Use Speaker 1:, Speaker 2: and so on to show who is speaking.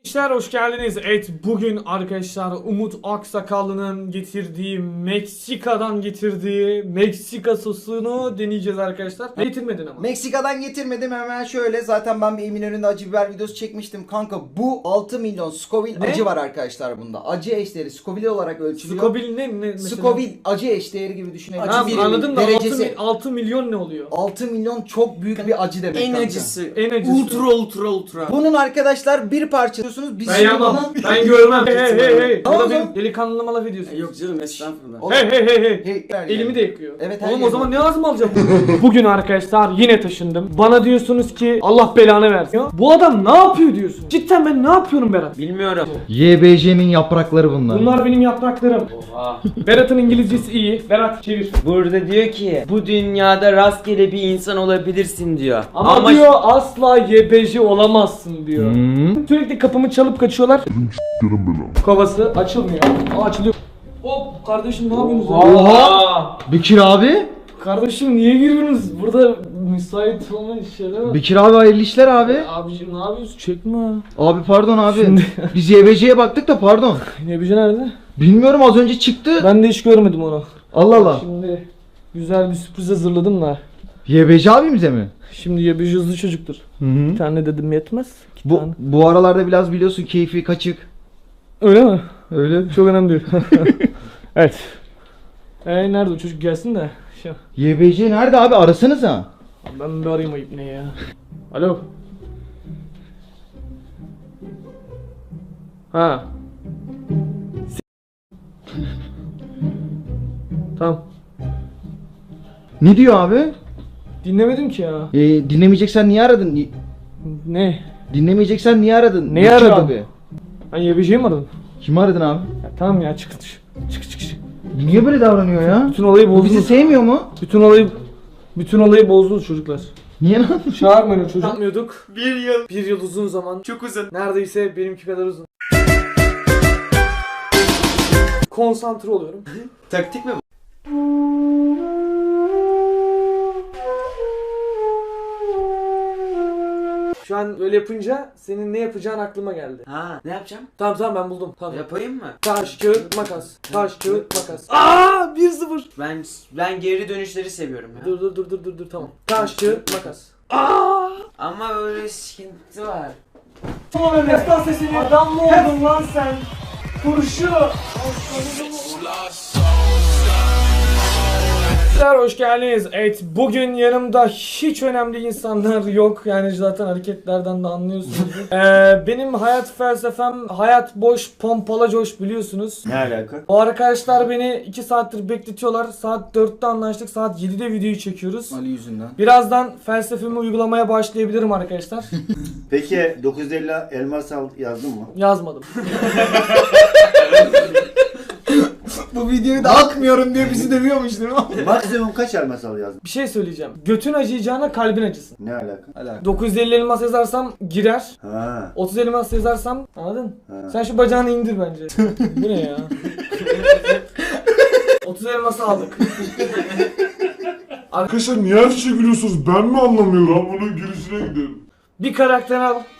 Speaker 1: Arkadaşlar hoş geldiniz. Evet, bugün arkadaşlar Umut Aksakallı'nın getirdiği Meksika'dan getirdiği Meksika sosunu deneyeceğiz arkadaşlar. Getirmedin ama.
Speaker 2: Meksika'dan getirmedim, hemen şöyle. Zaten ben bir Eminönü'nde acı biber videosu çekmiştim. Kanka bu 6 milyon Scoville acı var arkadaşlar bunda. Acı eşdeğeri Scoville olarak ölçülüyor.
Speaker 1: Scoville ne mesela?
Speaker 2: Scoville acı eşdeğeri gibi düşünelim.
Speaker 1: Tamam,
Speaker 2: Acı
Speaker 1: anladım da
Speaker 2: derecesi.
Speaker 1: 6 milyon ne oluyor?
Speaker 2: 6 milyon çok büyük bir acı demek
Speaker 3: En
Speaker 2: kanka.
Speaker 3: acısı.
Speaker 1: En acısı.
Speaker 3: Ultra.
Speaker 2: Bunun arkadaşlar bir parça diyorsunuz. Biz
Speaker 1: Ben
Speaker 2: şimdi
Speaker 1: yapmam.
Speaker 2: bunu-
Speaker 1: Ben görmem. Hey.
Speaker 2: Tamam,
Speaker 1: Burada
Speaker 2: tamam.
Speaker 1: benim delikanlılığıma laf ediyorsun.
Speaker 3: Yok canım, estağfurullah.
Speaker 2: Oğlum,
Speaker 1: Hey.
Speaker 2: hey,
Speaker 1: Elimi de yakıyor.
Speaker 2: Evet, her
Speaker 1: Oğlum o
Speaker 2: yeri.
Speaker 1: zaman ne lazım alacağım? Bugün arkadaşlar yine taşındım. Bana diyorsunuz ki Allah belanı versin. Bu adam ne yapıyor diyorsun? Cidden ben ne yapıyorum Berat?
Speaker 3: Bilmiyorum.
Speaker 4: YBJ'nin yaprakları bunlar.
Speaker 1: Bunlar benim yapraklarım.
Speaker 3: Oha.
Speaker 1: Berat'ın İngilizcesi iyi. Berat çevir.
Speaker 3: Burada diyor ki bu dünyada rastgele bir insan olabilirsin diyor.
Speaker 1: Ama diyor asla YBJ olamazsın diyor.
Speaker 4: Hmm.
Speaker 1: Sürekli kapımı çalıp kaçıyorlar. Kovası açılmıyor. Açılıyor. Hop kardeşim ne yapıyorsunuz?
Speaker 4: Oha! Bekir abi.
Speaker 1: Kardeşim niye giriyorsunuz? Burada müsait olmayan şeyler var.
Speaker 4: Bekir abi hayırlı işler abi.
Speaker 1: Abiciğim ne yapıyorsun? Çekme.
Speaker 4: Abi pardon abi.
Speaker 1: Şimdi-
Speaker 4: Biz YBJ'ye baktık da pardon.
Speaker 1: YBJ nerede?
Speaker 4: Bilmiyorum, az önce çıktı.
Speaker 1: Ben de hiç görmedim onu.
Speaker 4: Allah Allah.
Speaker 1: Şimdi güzel bir sürpriz hazırladım da.
Speaker 4: YBJ abimize mi?
Speaker 1: Şimdi YBJ hızlı çocuktur.
Speaker 4: Hı hı.
Speaker 1: Bir tane dedim yetmez. İki
Speaker 4: Bu,
Speaker 1: tane.
Speaker 4: bu aralarda biraz biliyorsun keyfi kaçık.
Speaker 1: Öyle mi?
Speaker 4: Öyle.
Speaker 1: Çok önemli değil. Evet. Nerede o çocuk gelsin de. Şu.
Speaker 4: YBJ nerede abi, arasanıza.
Speaker 1: Ben bir arayayım ayıp ne ya. Alo. Ha. Tamam.
Speaker 4: Ne diyor abi?
Speaker 1: Dinlemedim ki ya.
Speaker 4: Dinlemeyeceksen niye aradın?
Speaker 1: Ne?
Speaker 4: Dinlemeyeceksen niye aradın?
Speaker 1: Neyi
Speaker 4: Bekir
Speaker 1: aradım?
Speaker 4: Abi.
Speaker 1: Ben YBJ'yi mi aradım?
Speaker 4: Kimi aradın abi?
Speaker 1: Ya tamam ya çık. Çık.
Speaker 4: Niye böyle davranıyor ya?
Speaker 1: Bütün olayı
Speaker 4: Bu bizi
Speaker 1: bozdunuz.
Speaker 4: sevmiyor mu?
Speaker 1: Bütün olayı bozdunuz çocuklar.
Speaker 4: Niye lan?
Speaker 1: Çağırmayın o çocuğu. Yapmıyorduk.
Speaker 3: Bir yıl
Speaker 1: Uzun zaman.
Speaker 3: çok uzun.
Speaker 1: Neredeyse benimki kadar uzun. Konsantre oluyorum.
Speaker 3: Taktik mi bu?
Speaker 1: Şu an öyle yapınca senin ne yapacağın aklıma geldi.
Speaker 3: Ha, ne yapacağım?
Speaker 1: Tamam ben buldum. Tamam.
Speaker 3: Yapayım mı?
Speaker 1: Taş, kağıt, makas. Taş, kağıt, makas. Aa 1-0.
Speaker 3: Ben geri dönüşleri seviyorum ya.
Speaker 1: Dur tamam. Taş, kağıt, makas.
Speaker 3: Ama öyle sıkıntı var.
Speaker 1: Tamam Mesut sesini. Adam mı oldun lan sen? Turşu. Hoş geldiniz. Evet, bugün yanımda hiç önemli insanlar yok. Yani zaten hareketlerden de anlıyorsunuz. Benim hayat felsefem hayat boş, pompala coş biliyorsunuz.
Speaker 2: Ne alaka?
Speaker 1: O arkadaşlar beni 2 saattir bekletiyorlar. Saat 4'te anlaştık. Saat 7'de videoyu çekiyoruz.
Speaker 2: Ali yüzünden.
Speaker 1: Birazdan felsefemi uygulamaya başlayabilirim arkadaşlar.
Speaker 5: Peki 950 elmas al yazdın mı?
Speaker 1: Yazmadım.
Speaker 2: Bu videoyu da atmıyorum diye bizi dövüyormuş değil mi?
Speaker 5: Maksimum kaç elmas al yazdın?
Speaker 1: Bir şey söyleyeceğim. Götün acıyacağına kalbin acısın.
Speaker 5: Ne alaka?
Speaker 1: 950 elmas yazarsam girer.
Speaker 5: Ha.
Speaker 1: 30 elmas yazarsam anladın?
Speaker 5: Ha.
Speaker 1: Sen şu bacağını indir bence. Bu ne ya? 30 elması aldık.
Speaker 6: Arkadaşlar niye her şeye gülüyorsunuz? Ben mi anlamıyorum? Ben bunun gülüşüne gidiyorum.
Speaker 1: Bir karakter al.